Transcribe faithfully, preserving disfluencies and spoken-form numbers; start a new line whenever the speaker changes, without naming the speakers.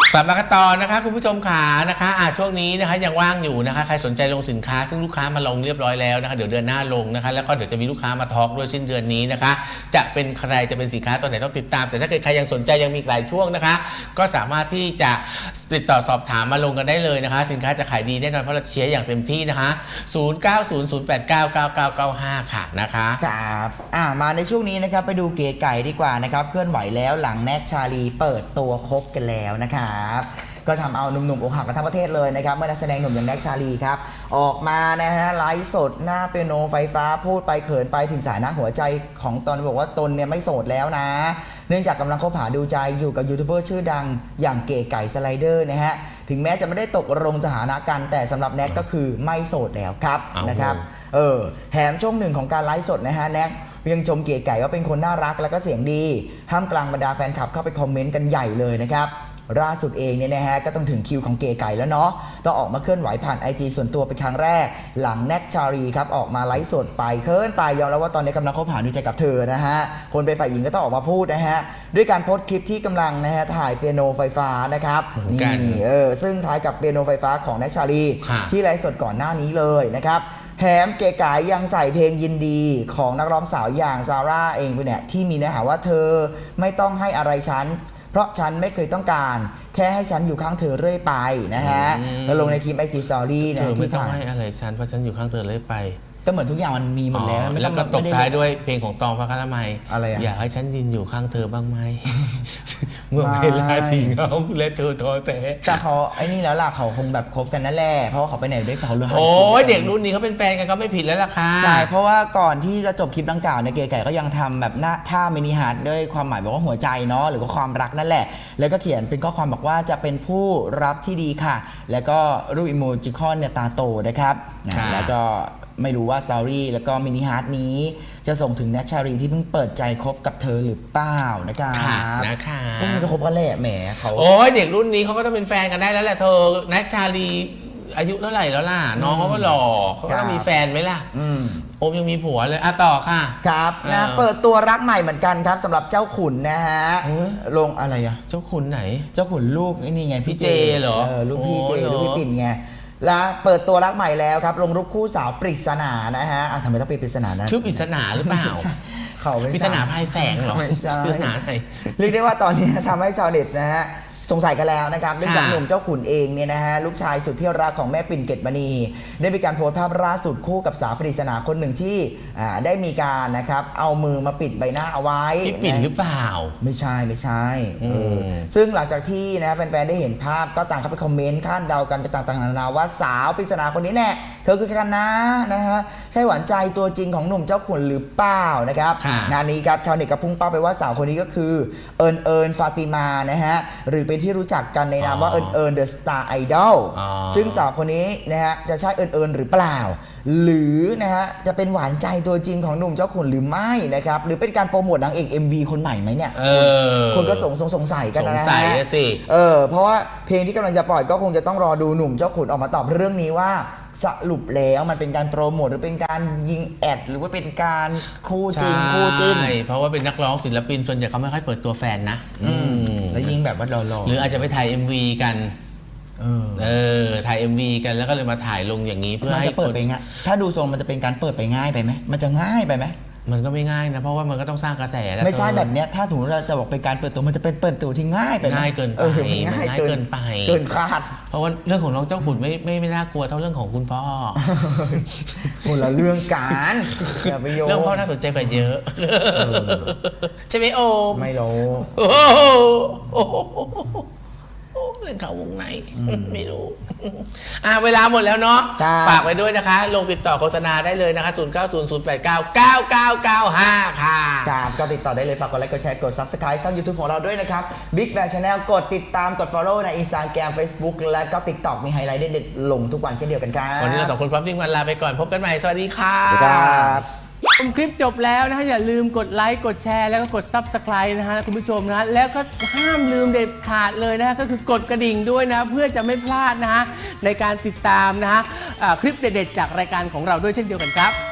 กลับมากันต่อนะคะคุณผู้ชมขานะคะอ่าช่วงนี้นะคะยังว่างอยู่นะคะใครสนใจลงสินค้าซึ่งลูกค้ามาลงเรียบร้อยแล้วนะคะเดี๋ยวเดือนหน้าลงนะคะแล้วก็เดี๋ยวจะมีลูกค้ามาทอล์กด้วยสิ้นเดือนนี้นะคะจะเป็นใครจะเป็นสินค้าตัวไหนต้องติดตามแต่ถ้าเกิดใครยังสนใจยังมีหลายช่วงนะคะก็สามารถที่จะติดต่อสอบถามมาลงกันได้เลยนะคะสินค้าจะขายดีแน่นอนเพราะเราเชียร์อย่างเต็มที่นะคะศูนย์ เก้า ศูนย์ ศูนย์ แปด เก้า เก้า เก้า เก้า ห้าค่ะนะคะ
ครับอ่ามาในช่วงนี้นะครับไปดูเก๋ไก่ดีกว่านะครับเคลื่อนไหวแล้วหลังแน็กชาลีเปิดตัวคบกันแล้วนะครับก็ทำเอาหนุ่มๆอกหักกันทั้งประเทศเลยนะครับเมื่อนักแสดงหนุ่มอย่างแน็กชาลีครับออกมานะฮะไลฟ์สดหน้าเปียโนไฟฟ้าพูดไปเขินไปถึงสายหน้าหัวใจของตนบอกว่าตนเนี่ยไม่โสดแล้วนะเนื่องจากกำลังคบหาดูใจอยู่กับยูทูบเบอร์ชื่อดังอย่างเก๋ไก่สไลเดอร์นะฮะถึงแม้จะไม่ได้ตกลงสถานะกันแต่สำหรับแน็กก็คือไม่โสดแล้วครับนะครับเออแถมช่วงหนึ่งของการไลฟ์สดนะฮะแน็กยังชมเก๋ไก่ว่าเป็นคนน่ารักและก็เสียงดีท่ามกลางบรรดาแฟนคลับเข้าไปคอมเมนต์กันใหญ่เลยนะครับล่าสุดเองเนี่ยนะฮะก็ต้องถึงคิวของเก๋ไก่แล้วเนาะต้องออกมาเคลื่อนไหวผ่าน ไอ จี ส่วนตัวเป็นครั้งแรกหลังแน็กชาลีครับออกมาไลฟ์สดไปเคินไปยอมแล้วว่าตอนนี้กำลังคบหาดูใจกับเธอนะฮะคนเป็นฝ่ายหญิงก็ต้องออกมาพูดนะฮะด้วยการโพสต์คลิปที่กำลังนะฮะถ่ายเปียโนไฟฟ้านะครับนี่เออซึ่งคล้ายกับเปียโนไฟฟ้าของแน็กชาลีที่ไลฟ์สดก่อนหน้านี้เลยนะครับแถมเก๋ไก่ยังใส่เพลงยินดีของนักร้องสาวอย่างซาร่าเองไปเนี่ยที่มีเนื้อหาว่าเธอไม่ต้องให้อะไรฉันเพราะฉันไม่เคยต้องการแค่ให้ฉันอยู่ข้างเธอเรื่อยไปนะฮะแล้วลงในคลิปไอจีสตอรี่นะ
ที่ต้องให้อะไรฉันเพราะฉันอยู่ข้างเธอเรื่อยไป
ก็เหมือนทุกอย่างมันมีหมดแล้ว
แล้วก็ตบท้ายด้วยเพลงของตองพระคารมัย
อะไรอย
ากให้ฉันยืนอยู่ข้างเธอบ้างไหมเมื่อเวลาที่เหงาและเธอท้อแท้
แต่เขาไอ้นี่แล้วล่ะเขาคงแบบคบกันนั่นแหละเพราะเขาไปไหนด้วยเขาเลย
โอ้ยเด็กรุ่นนี้เขาเป็นแฟนกันก็ไม่ผิดแล้วล่ะค่ะ
ใช่เพราะว่าก่อนที่จะจบคลิปดังกล่าวเนี่ยเก๋ไก่ก็ยังทำแบบหน้าท่ามินิฮาร์ทด้วยความหมายบอกว่าหัวใจเนาะหรือว่าความรักนั่นแหละแล้วก็เขียนเป็นข้อความบอกว่าจะเป็นผู้รับที่ดีค่ะแล้วก็รูปอิโมจิคอนเนี่ยตาโตนะครับแล้วก็ไม่รู้ว่าสตอรี่แล้วก็มินิฮาร์ทนี้จะส่งถึงแน็กชาลีที่เพิ่งเปิดใจคบกับเธอหรือเปล่านะครับ
นะคะ
มันก็คบกันแหละแหมเขา
โอ้ยเด็กรุ่นนี้เขาก็ต้องเป็นแฟนกันได้แล้วแหละเธอแน็กชาลีอายุเท่าไหร่แล้วล่ะน้องเขาก็หล่อเขาก็มีแฟนไหมล่ะโอมยังมีผัวเลยอ่ะต่อค่ะ
ครับนะเปิดตัวรักใหม่เหมือนกันครับสำหรับเจ้าขุนนะฮะลงอะไรอ่ะ
เจ้าขุนไหน
เจ้าขุนลูกนี่ไง
พี่เจเหรอ
ลูกพี่เจลูกพี่ปิ่นไงและเปิดตัวรักใหม่แล้วครับลงรูปคู่สาวปริศนานะฮะทำไมต้องเป็นปริศนานะ
ชื่อปริศนาหรือเปล่า
เขา
ปริศนาภายแสงเหรอปริศนาไหน
เรียกได้ว่าตอนนี้ทำให้ชาวเน็ตนะฮะสงสัยกันแล้วนะครับเนื่องจากหนุ่มเจ้าขุนเองเนี่ยนะฮะลูกชายสุดที่รักของแม่ปิ่นเกตมณีได้มีการโพสต์ภาพล่าสุดคู่กับสาวปริศนาคนหนึ่งที่ได้มีการนะครับเอามือมาปิดใบหน้าเอาไว้
พี่ปิ่นหรือเปล่า
ไม่ใช่ไม่ใช่ซึ่งหลังจากที่นะแฟนๆได้เห็นภาพก็ต่างเข้าไปคอมเมนต์คาดเดากันไปต่างๆนานาว่าสาวปริศนาคนนี้แน่เธอคือใครกันนะนะฮะใช่หวานใจตัวจริงของหนุ่มเจ้าขุนหรือเปล่านะครับงานนี้ครับชาวเน็ตก็พุ่งเป้าไปว่าสาวคนนี้ก็คือเอิญเอิญฟาติมานะฮะหรือเป็นที่รู้จักกันในนามว่าเอิญเอิญเดอะสตาร์ไอดอลซึ่งสาวคนนี้นะฮะจะใช่เอิญเอิญหรือเปล่าหรือนะฮะจะเป็นหวานใจตัวจริงของหนุ่มเจ้าขุนหรือไม่นะครับหรือเป็นการโปรโมทนางเอก เอ็ม วี คนใหม่ไหมเนี่ยคนก็สงสงสัยกันนะฮะ
สงสัยสิ
เออเพราะว่าเพลงที่กำลังจะปล่อยก็คงจะต้องรอดูหนุ่มเจ้าขุนออกมาตอบเรื่องนี้ว่าสรุปแล้วมันเป็นการโปรโมทหรือเป็นการยิงแอดหรือว่าเป็นการคู่จริงคู่จิ้น
เพราะว่าเป็นนักร้องศิลปินส่วนใหญ่เขาไม่ค่อยเปิดตัวแฟนนะ
แล้วยิงแบบว่าหล่อ
ๆหรืออาจจะไปถ่าย เอ็ม วี กันเออถ่าย เอ็ม วี กันแล้วก็เลยมาถ่ายลงอย่างนี้เพื่อให้
จะเปิดไปง่ายถ้าดูทรงมันจะเป็นการเปิดไปง่ายไปไหมมันจะง่ายไปไหม
มันก็ไม่ง่ายนะเพราะว่ามันก็ต้องสร้างกระแสแล้ว
ไม่ใช่แบบเนี้ยถ้าถึงเราจะบอกเป็นการเปิดตัวมันจะเป็นเปิดตัวที่ง่ายไป
ง่ายเกินไปง่ายเกินไป
เกินคาด
เพราะว่าเรื่องของน้องเจ้าขุนไม่ไม่ไม่น่ากลัวเท่าเรื่องของคุณพ่อ
คนละเรื่องกันอย่าไปโยง
เรื่องพ่อน่าสนใจกว่าเยอะใช่ไหมโอ
ไม่รู้
เรื่องข่าววงในไม่รู้อ่าเวลาหมดแล้วเนาะฝากไว้ด้วยนะคะลงติดต่อโฆษณาได้เลยนะคะศูนย์ เก้า ศูนย์ ศูนย์ แปด เก้า เก้า เก้า เก้า ห้าค่ะ
ครับก็ติดต่อได้เลยฝากกดไลค์กดแชร์กด ซับสไครบ์ ช่อง ยูทูบ ของเราด้วยนะครับ Big Bang Channel กดติดตามกด Follow ใน Instagram Facebook และก็ TikTok มีไฮไลท์เด็ดๆลงทุกวันเช่นเดียวกันครับ
วันนี้เราสองคนพร้อมจริงวันลาไปก่อนพบกันใหม่สวัสดีค่ะ
สวัสดีครับ
ชมคลิปจบแล้วนะฮะอย่าลืมกดไลค์กดแชร์แล้วก็กด ซับสไครบ์ นะฮะคุณผู้ชมนะแล้วก็ห้ามลืมเด็ดขาดเลยนะฮะก็คือกดกระดิ่งด้วยนะเพื่อจะไม่พลาดนะฮะในการติดตามนะฮะคลิปเด็ดๆจากรายการของเราด้วยเช่นเดียวกันครับ